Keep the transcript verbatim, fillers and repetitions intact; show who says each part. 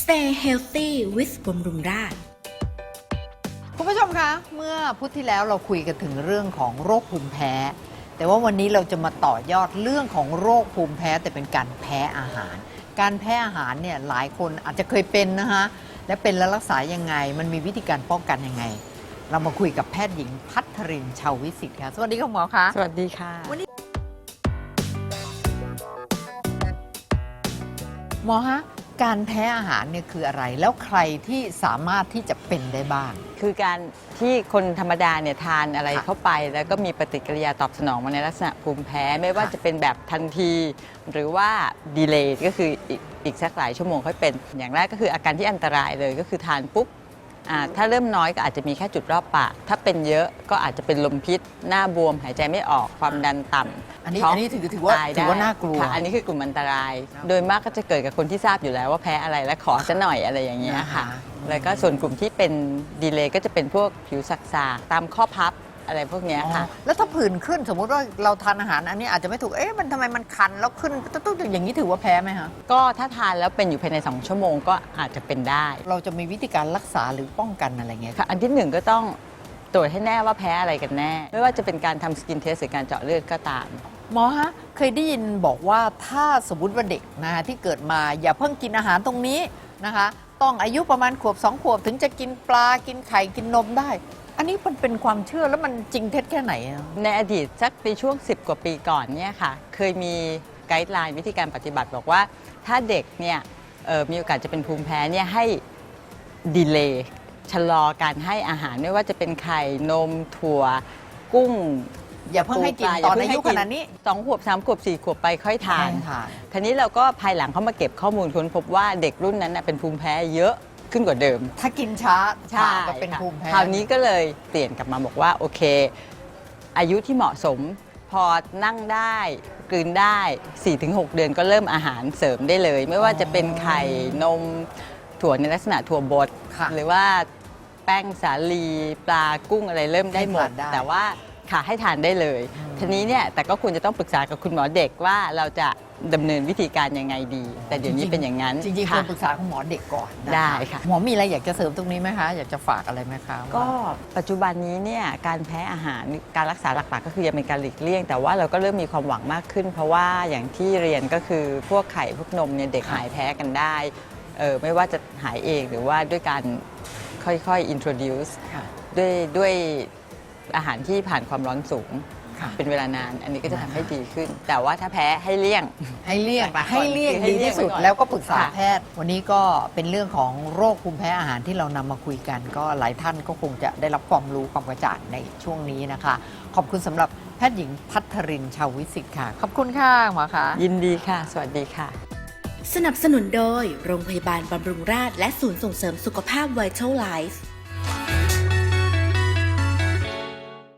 Speaker 1: Stay healthy with บำรุงราษฎร์
Speaker 2: คุณผู้ชมคะเมื่อพุธที่แล้วเราคุยกันถึงเรื่องของโรคภูมิแพ้แต่ว่าวันนี้เราจะมาต่อยอดเรื่องของโรคภูมิแพ้แต่เป็นการแพ้อาหาร การแพ้อาหารเนี่ยหลายคนอาจจะเคยเป็นนะคะและเป็นแล้วรักษายังไงมันมีวิธีการป้องกันยังไงเรามาคุยกับแพทย์หญิงพัทรินชาววิสิทธิ์ค่ะสวัสดีคุณหมอคะ
Speaker 3: สวัสดีค่ะ
Speaker 2: วันนี้หมอฮะการแพ้อาหารเนี่ยคืออะไรแล้วใครที่สามารถที่จะเป็นได้บ้าง
Speaker 3: คือการที่คนธรรมดาเนี่ยทานอะไรเข้าไปแล้วก็มีปฏิกิริยาตอบสนองมาในลักษณะภูมิแพ้ไม่ว่าจะเป็นแบบทันทีหรือว่าดีเลย์ก็คืออีกอีกสักหลายชั่วโมงค่อยเป็นอย่างแรกก็คืออาการที่อันตรายเลยก็คือทานปุ๊บถ้าเริ่มน้อยก็อาจจะมีแค่จุดรอบปากถ้าเป็นเยอะก็อาจจะเป็นลมพิษหน้าบวมหายใจไม่ออกความดันต่ำ
Speaker 2: อันนี้อันนี้ถือถือว่าถือว่าน่ากลัว
Speaker 3: อันนี้คือกลุ่มอันตรายโดยมากก็จะเกิดกับคนที่ทราบอยู่แล้วว่าแพ้อะไรและขอซะหน่อยอะไรอย่างเงี้ยค่ะแล้วก็ส่วนกลุ่มที่เป็นดีเลย์ก็จะเป็นพวกผิวสักๆตามข้อพับอะไรพวกนี้ค่ะ
Speaker 2: แล้วถ้าผื่นขึ้นสมมุติว่าเราทานอาหารอันนี้อาจจะไม่ถูกเอ๊ะมันทำไมมันคันแล้วขึ้นตุ๊ดๆอย่างนี้ถือว่าแพ้ไหมคะ
Speaker 3: ก็ถ้าทานแล้วเป็นอยู่ภายในสองชั่วโมงก็อาจจะเป็นได้
Speaker 2: เราจะมีวิธีการรักษาหรือป้องกันอะไรเงี้ย
Speaker 3: ค่ะอันที่หนึ่งก็ต้องตรวจให้แน่ว่าแพ้อะไรกันแน่ไม่ว่าจะเป็นการทำสกินเทสหรือการเจาะเลือดก็ตาม
Speaker 2: หมอฮะเคยได้ยินบอกว่าถ้าสมมติว่าเด็กนะคะที่เกิดมาอย่าเพิ่งกินอาหารตรงนี้นะคะต้องอายุประมาณขวบสองขวบถึงจะกินปลากินไข่กินนมได้อันนี้มันเป็นความเชื่อแล้วมันจริงเท็จแค่ไหน
Speaker 3: ในอดีตสักในช่วงสิบกว่าปีก่อนเนี่ยค่ะเคยมีไกด์ไลน์วิธีการปฏิบัติบอกว่าถ้าเด็กเนี่ยมีโอกาสจะเป็นภูมิแพ้เนี่ยให้ดีเลย์ชะลอการให้อาหารไม่ว่าจะเป็นไข่นมถั่วกุ้ง
Speaker 2: อย่าเพิ่งให้กินตอนอายุขนาดนี้
Speaker 3: สองขวบสามขวบสี่ขวบไปค่อยทานทีนี้เราก็ภายหลังเขามาเก็บข้อมูลค้นพบว่าเด็กรุ่นนั้นเป็นภูมิแพ้เยอะขึ้นกว่าเดิม
Speaker 2: ถ้ากินช้าช้าก็เป็นภูมิแพ้
Speaker 3: คราวนี้ก็เลยเปลี่ยนกลับมาบอกว่าโอเคอายุที่เหมาะสมพอนั่งได้กลืนได้ สี่ถึงหก เดือนก็เริ่มอาหารเสริมได้เลยไม่ว่าจะเป็นไข่นมถั่วในลักษณะถั่วบดหรือว่าแป้งสาลีปลากุ้งอะไรเริ่มได้หมดแต่ว่าค่ะให้ทานได้เลยทีนี้เนี่ยแต่ก็ควรจะต้องปรึกษากับคุณหมอเด็กว่าเราจะดำเนินวิธีการยังไงดีแต่เดี๋ยวนี้เป็นอย่างนั้น
Speaker 2: จริงๆควรปรึกษาคุณหมอเด็กก่อน
Speaker 3: ได้ค่ะ
Speaker 2: หมอมีอะไรอยากจะเสริมตรงนี้ไหมคะอยากจะฝากอะไรไหมคะ
Speaker 3: ก็ปัจจุบันนี้เนี่ยการแพ้อาหารการรักษาหลักๆก็คือยังเป็นการหลีกเลี่ยงแต่ว่าเราก็เริ่มมีความหวังมากขึ้นเพราะว่าอย่างที่เรียนก็คือพวกไข่พวกนมเนี่ยเด็กหายแพ้กันได้เออไม่ว่าจะหายเองหรือว่าด้วยการค่อยๆ introduce ด้วยด้วยอาหารที่ผ่านความร้อนสูงเป็นเวลานานอันนี้ก็จะทำให้ดีขึ้นแต่ว่าถ้าแพ้ให้เลี่ยง
Speaker 2: ให้เลี่ยงให้เลี่ยงดีที่สุดแล้วก็ปรึกษาแพทย์วันนี้ก็เป็นเรื่องของโรคภูมิแพ้อาหารที่เรานำมาคุยกันก็หลายท่านก็คงจะได้รับความรู้ความกระจ่างในช่วงนี้นะคะขอบคุณสำหรับแพทย์หญิงพัทรินชาววิสิทธิ์ค่ะขอบคุณค่ะหมอคะ
Speaker 3: ยินดีค่ะสวัสดีค่ะ
Speaker 1: สนับสนุนโดยโรงพยาบาลบำรุงราษฎร์และศูนย์ส่งเสริมสุขภาพ Vital Life